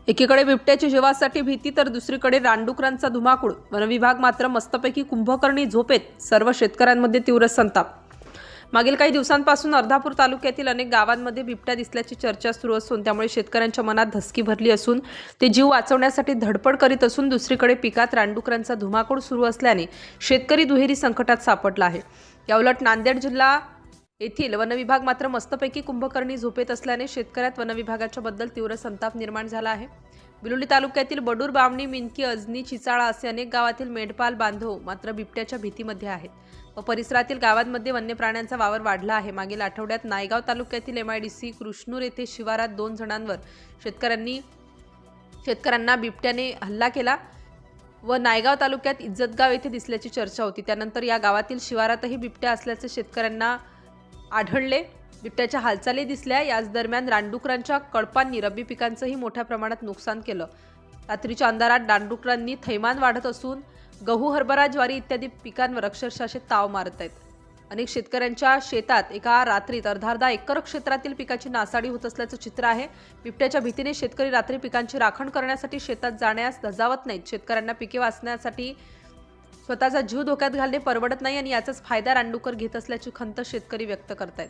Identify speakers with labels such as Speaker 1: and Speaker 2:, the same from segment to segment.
Speaker 1: एकीकडे बिबट्याची जीवासाठी भीती तर दुसरीकडे रानडुकरांचा धुमाकूळ. वनविभाग मात्र मस्तपैकी कुंभकर्णी झोपेत. सर्व शेतकऱ्यांमध्ये तीव्र संताप. मागील काही दिवसांपासून अर्धापूर तालुक्यातील अनेक गावांमध्ये बिबट्या दिसल्याची चर्चा सुरू असून त्यामुळे शेतकऱ्यांच्या मनात धसकी भरली असून ते जीव वाचवण्यासाठी धडपड करीत असून दुसरीकडे पिकात रानडुकरांचा धुमाकूळ सुरू असल्याने शेतकरी दुहेरी संकटात सापडला आहे. याउलट नांदेड जिल्हा येथील वनविभाग मात्र मस्तपैकी कुंभकर्णी झोपेत असल्याने शेतकऱ्यात वनविभागाच्या बद्दल तीव्र संताप निर्माण झाला आहे. बिलोली तालुक्यातील बडूर, बामणी, मिनकी, अजनी, चिचाळा असे अनेक गावातील मेंढपाल बांधव मात्र बिबट्याच्या भीतीमध्ये आहेत व परिसरातील गावांमध्ये वन्य प्राण्यांचा वावर वाढला आहे. मागील आठवड्यात नायगाव तालुक्यातील MIDC कृष्णूर येथे शिवारात 2 जणांवर शेतकऱ्यांना बिबट्याने हल्ला केला व नायगाव तालुक्यात इज्जतगाव येथे दिसल्याची चर्चा होती. त्यानंतर या गावातील शिवारातही बिबट्या असल्याचे शेतकऱ्यांना आढळले. बिबट्याच्या हालचाली दिसल्या. याच दरम्यान रानडुकरांच्या कळपांनी रब्बी पिकांचंही मोठ्या प्रमाणात नुकसान केलं. रात्रीच्या अंधारात रानडुकरांनी थैमान वाढत असून गहू, हरभरा, ज्वारी इत्यादी पिकांवर अक्षरशः असे ताव मारत आहेत. अनेक शेतकऱ्यांच्या शेतात एका रात्रीत अर्धा एकर क्षेत्रातील पिकाची नासाडी होत असल्याचं चित्र आहे. बिबट्याच्या भीतीने शेतकरी रात्री पिकांची राखण करण्यासाठी शेतात जाण्यास धजावत नाहीत. शेतकऱ्यांना पिके वाचण्यासाठी स्वतःचा जीव धोक्यात घालणे परवडत नाही आणि याचाच फायदा रानडुकर घेत असल्याची खंत शेतकरी व्यक्त करतायत.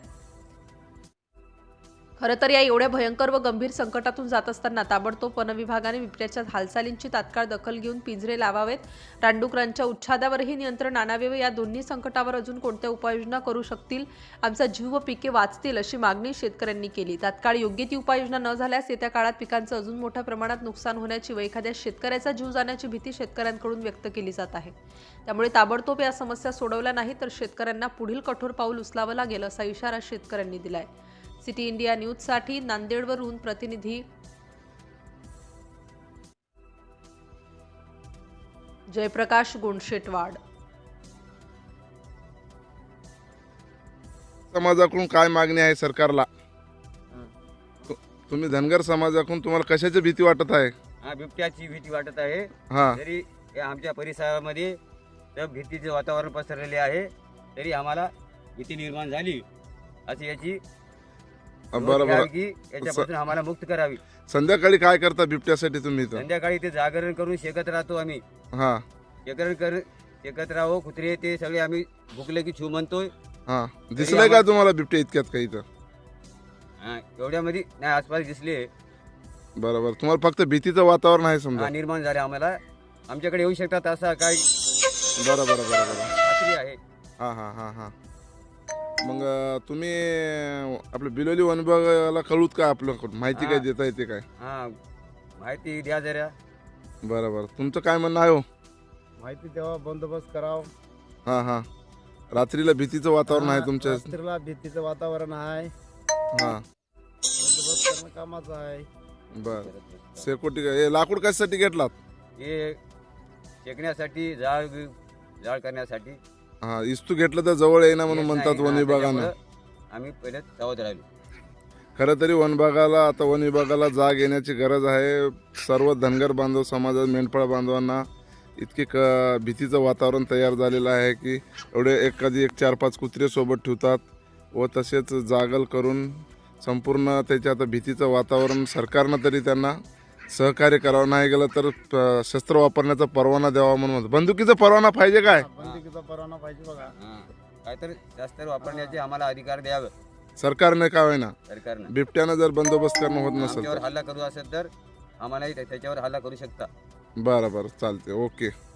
Speaker 1: खरं तर या एवढ्या भयंकर व गंभीर संकटातून जात असताना ताबडतोब वनविभागाने बिबट्याच्या हालचालींची तात्काळ दखल घेऊन पिंजरे लावावेत. रानडुकरांच्या उच्छादावरही नियंत्रण आणावे व या दोन्ही संकटावर अजून कोणत्या उपाययोजना करू शकतील, आमचा जीव व पिके वाचतील अशी मागणी शेतकऱ्यांनी केली. तात्काळ योग्य ती उपाययोजना न झाल्यास येत्या काळात पिकांचं अजून मोठ्या प्रमाणात नुकसान होण्याची व एखाद्या शेतकऱ्याचा जीव जाण्याची भीती शेतकऱ्यांकडून व्यक्त केली जात आहे. त्यामुळे ताबडतोब या समस्या सोडवल्या नाही तर शेतकऱ्यांना पुढील कठोर पाऊल उचलावं लागेल असा इशारा शेतकऱ्यांनी दिलाय. सिटी इंडिया न्यूजसाठी नांदेडवरून प्रतिनिधी जयप्रकाश गोंडशेटवाड.
Speaker 2: समाजाकडून काय मागणी आहे सरकारला? तुम्ही धनगर समाजाकडून तुम्हाला कशाची भीती वाटत आहे?
Speaker 3: बिबट्याची भीती वाटत आहे.
Speaker 2: हा,
Speaker 3: तरी आमच्या परिसरामध्ये भीतीचे वातावरण पसरलेले आहे. तरी आम्हाला भीती निर्माण झाली अशी याची
Speaker 2: बरोबर.
Speaker 3: की याच्यापासून आम्हाला मुक्त करावी.
Speaker 2: संध्याकाळी काय करता बिबट्यासाठी तुम्ही इथं?
Speaker 3: संध्याकाळी ते जागरण करून शेकत राहतो आम्ही.
Speaker 2: हा,
Speaker 3: शेकत राहो. कुत्रे ते सगळे आम्ही भुकले की छू म्हणतोय.
Speaker 2: हा, दिसलंय का तुम्हाला बिबट्या इतक्यात काही इथं?
Speaker 3: एवढ्यामध्ये नाही आसपास दिसले.
Speaker 2: बरोबर. तुम्हाला फक्त भीतीचं वातावरण आहे समजा?
Speaker 3: निर्माण झाले आम्हाला. आमच्याकडे येऊ शकतात असा काय
Speaker 2: बरोबर बरोबर
Speaker 3: खात्री आहे.
Speaker 2: हा हा हा हा. मग तुम्ही आपलं बिलोली वन विभागाला कळूत का आपल्याकडून माहिती काय देता येते काय?
Speaker 3: माहिती द्या जरा.
Speaker 2: बरोबर. तुमचं काय म्हणणं आहे हो?
Speaker 4: माहिती तेव्हा बंदोबस्त करावं.
Speaker 2: हा हा. रात्रीला भीतीचं वातावरण आहे तुमच्या?
Speaker 4: रात्रीला भीतीचं वातावरण आहे.
Speaker 2: हा,
Speaker 4: बंदोबस्त करणं कामाचं आहे.
Speaker 2: बर. सेकोटी हे लाकूड कशासाठी घेतलात?
Speaker 3: हे शेकण्यासाठी जाळ करण्यासाठी.
Speaker 2: हा, इस्तू घेतलं तर जवळ येईना म्हणून म्हणतात वन विभागानं.
Speaker 3: आम्ही पहिले सावध राहिलो.
Speaker 2: खरं तरी वन विभागाला जाग येण्याची गरज आहे. सर्व धनगर बांधव समाजात मेंढपाळ बांधवांना इतके भीतीचं वातावरण तयार झालेलं आहे की एवढे एखादी 4-5 कुत्रे सोबत ठेवतात व तसेच जागल करून संपूर्ण त्याच्या आता भीतीचं वातावरण सरकारनं तरी त्यांना सहकार्य करावं. नाही गेलं तर शस्त्र वापरण्याचा परवाना द्यावा म्हणून म्हणतो. बंदुकीचा परवाना पाहिजे काय?
Speaker 4: बंदुकीचा परवाना पाहिजे बघा.
Speaker 3: काहीतरी जास्त वापरण्याचे आम्हाला अधिकार द्यावे
Speaker 2: सरकारने का होईना.
Speaker 3: सरकारनं.
Speaker 2: बिबट्यानं जर बंदोबस्त करणं होत नसेल
Speaker 3: आमच्यावर
Speaker 2: तर
Speaker 3: हल्ला करू असेल तर आम्हालाही त्याच्यावर हल्ला करू शकता.
Speaker 2: बरं बरं, चालते. ओके.